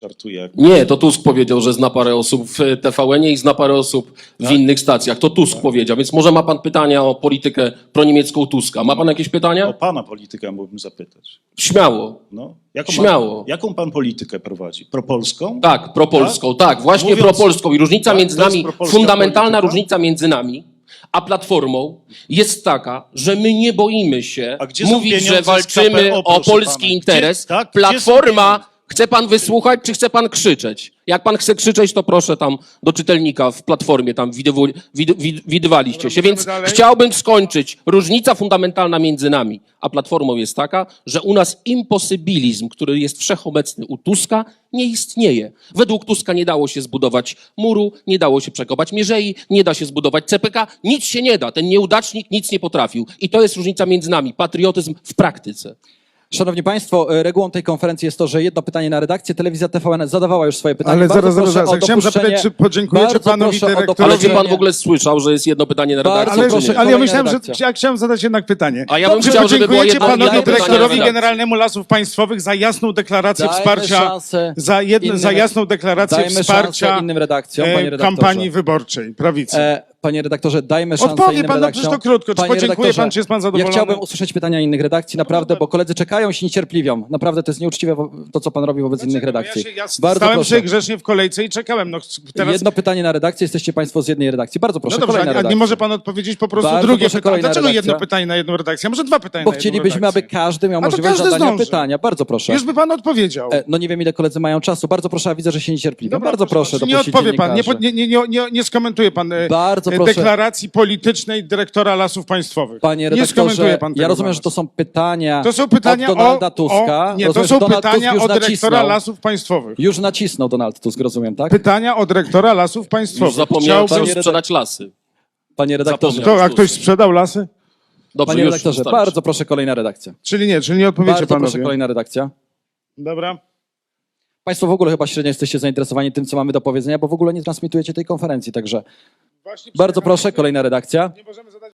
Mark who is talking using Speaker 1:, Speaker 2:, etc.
Speaker 1: Żartuję.
Speaker 2: Nie, to Tusk powiedział, że zna parę osób w TVN-ie i zna parę osób w innych stacjach. To Tusk powiedział, więc może ma pan pytania o politykę proniemiecką Tuska. Ma pan jakieś
Speaker 1: O
Speaker 2: pytania?
Speaker 1: pana politykę mógłbym zapytać.
Speaker 2: Śmiało.
Speaker 1: No.
Speaker 2: Śmiało.
Speaker 1: Jaką pan politykę prowadzi? Propolską?
Speaker 2: Tak, propolską, tak, właśnie
Speaker 1: Mówiąc-
Speaker 2: propolską. I różnica
Speaker 1: tak,
Speaker 2: między
Speaker 1: to jest
Speaker 2: nami,
Speaker 1: propolska
Speaker 2: fundamentalna
Speaker 1: polityka?
Speaker 2: różnica między nami a Platformą jest taka, że my nie boimy się
Speaker 1: A gdzie są
Speaker 2: mówić,
Speaker 1: pieniądze
Speaker 2: że
Speaker 1: z
Speaker 2: walczymy
Speaker 1: KPO,
Speaker 2: o
Speaker 1: proszę
Speaker 2: polski
Speaker 1: pana?
Speaker 2: interes.
Speaker 1: Gdzie są
Speaker 2: Platforma,
Speaker 1: pieniądze?
Speaker 2: chce pan wysłuchać, czy chce pan krzyczeć? Jak pan chce krzyczeć, to proszę tam do czytelnika w Platformie, tam widywaliście się. Więc
Speaker 3: dalej.
Speaker 2: chciałbym skończyć. Różnica fundamentalna między nami a Platformą jest taka, że u nas imposybilizm, który jest wszechobecny u Tuska, nie istnieje. Według Tuska nie dało się zbudować muru, nie dało się przekopać mierzei, nie da się zbudować CPK, nic się nie da. Ten nieudacznik nic nie potrafił. I to jest różnica między nami. Patriotyzm w praktyce.
Speaker 4: Szanowni Państwo, regułą tej konferencji jest to, że jedno pytanie na redakcję. Telewizja TVN zadawała już swoje pytanie.
Speaker 3: Ale
Speaker 4: Bardzo
Speaker 3: zaraz.
Speaker 4: proszę o
Speaker 3: Chciałem zapytać,
Speaker 4: dopuszczenie-
Speaker 3: czy podziękujecie
Speaker 4: bardzo
Speaker 3: panowi
Speaker 4: proszę o
Speaker 3: dyrektorowi.
Speaker 2: Ale czy pan
Speaker 4: dopuszczenie-
Speaker 2: w ogóle słyszał, że jest jedno pytanie na
Speaker 4: Bardzo
Speaker 2: redakcję?
Speaker 3: Ale,
Speaker 2: czy nie?
Speaker 4: proszę,
Speaker 3: ale ja
Speaker 4: kolejna
Speaker 3: myślałem,
Speaker 4: redakcja.
Speaker 3: że ja chciałem zadać jednak pytanie.
Speaker 2: A ja bym
Speaker 3: Czy
Speaker 2: chciał, żeby było
Speaker 3: podziękujecie
Speaker 2: jedno
Speaker 3: panowi
Speaker 2: pytanie na
Speaker 3: dyrektorowi
Speaker 2: redakcję.
Speaker 3: Generalnemu Lasów Państwowych za jasną deklarację
Speaker 4: Dajmy
Speaker 3: wsparcia,
Speaker 4: szansę
Speaker 3: za jasną deklarację
Speaker 4: Dajmy
Speaker 3: wsparcia
Speaker 4: szansę innym redakcjom, panie redaktorze.
Speaker 3: kampanii wyborczej prawicy.
Speaker 4: Panie redaktorze, dajmy szansę
Speaker 3: Odpowie
Speaker 4: innym
Speaker 3: pan, no
Speaker 4: redakcjom.
Speaker 3: przecież to krótko. Czy
Speaker 4: Panie
Speaker 3: podziękuje
Speaker 4: redaktorze,
Speaker 3: pan, czy jest pan zadowolony?
Speaker 4: Ja chciałbym usłyszeć pytania innych redakcji, naprawdę, bo koledzy czekają, się niecierpliwią. Naprawdę to jest nieuczciwe to, co pan robi wobec innych redakcji.
Speaker 3: Ja
Speaker 4: Bardzo
Speaker 3: stałem
Speaker 4: proszę.
Speaker 3: się grzecznie w kolejce i czekałem. No, teraz...
Speaker 4: Jedno pytanie na redakcję, jesteście państwo z jednej redakcji. Bardzo proszę,
Speaker 3: No dobrze,
Speaker 4: kolejna
Speaker 3: a nie
Speaker 4: redakcja.
Speaker 3: może pan odpowiedzieć po prostu
Speaker 4: Bardzo
Speaker 3: drugie
Speaker 4: proszę,
Speaker 3: pytanie.
Speaker 4: kolejna
Speaker 3: Dlaczego jedno
Speaker 4: redakcja?
Speaker 3: pytanie na jedną redakcję? A może dwa pytania
Speaker 4: Bo
Speaker 3: na jedną
Speaker 4: chcielibyśmy, aby
Speaker 3: redakcję?
Speaker 4: każdy miał
Speaker 3: A to
Speaker 4: możliwość
Speaker 3: każdy
Speaker 4: zadania
Speaker 3: zdąży.
Speaker 4: pytania. Bardzo proszę.
Speaker 3: Już by pan odpowiedział.
Speaker 4: No nie wiem, ile koledzy mają czasu. Bardzo proszę, a widzę, że się niecierpliwią.
Speaker 3: Dobra,
Speaker 4: Bardzo proszę,
Speaker 3: czy nie
Speaker 4: dopuścić
Speaker 3: odpowie pan,
Speaker 4: dziennikarzy.
Speaker 3: nie skomentuje pan
Speaker 4: Bardzo proszę.
Speaker 3: deklaracji politycznej dyrektora Lasów Państwowych.
Speaker 4: Panie
Speaker 3: nie skomentuje
Speaker 4: redaktorze,
Speaker 3: pan tego
Speaker 4: ja rozumiem,
Speaker 3: dla
Speaker 4: że
Speaker 3: nas.
Speaker 4: to są pytania,
Speaker 3: To są pytania
Speaker 4: od Donalda Tuska.
Speaker 3: Nie, to
Speaker 4: Rozumiem,
Speaker 3: są
Speaker 4: że Donald
Speaker 3: pytania
Speaker 4: Tusk
Speaker 3: od
Speaker 4: już
Speaker 3: dyrektora
Speaker 4: nacisnął.
Speaker 3: Lasów Państwowych.
Speaker 4: Już nacisnął Donald Tusk, rozumiem, tak?
Speaker 3: Pytania od dyrektora Lasów
Speaker 2: Już
Speaker 3: Państwowych.
Speaker 2: zapomniałem
Speaker 4: Panie
Speaker 2: chciał sprzedać lasy.
Speaker 4: Panie redaktorze,
Speaker 2: Zapomniał.
Speaker 3: A ktoś sprzedał lasy?
Speaker 2: Dobrze,
Speaker 4: panie
Speaker 2: już
Speaker 4: redaktorze,
Speaker 2: wystarczy.
Speaker 4: bardzo proszę, kolejna redakcja.
Speaker 3: Czyli nie odpowiecie
Speaker 4: Bardzo
Speaker 3: panowie.
Speaker 4: proszę, kolejna redakcja.
Speaker 3: Dobra.
Speaker 4: Państwo w ogóle chyba średnio jesteście zainteresowani tym, co mamy do powiedzenia, bo w ogóle nie transmitujecie tej konferencji, także
Speaker 3: Właśnie
Speaker 4: bardzo proszę, kolejna redakcja.
Speaker 3: Nie możemy zadać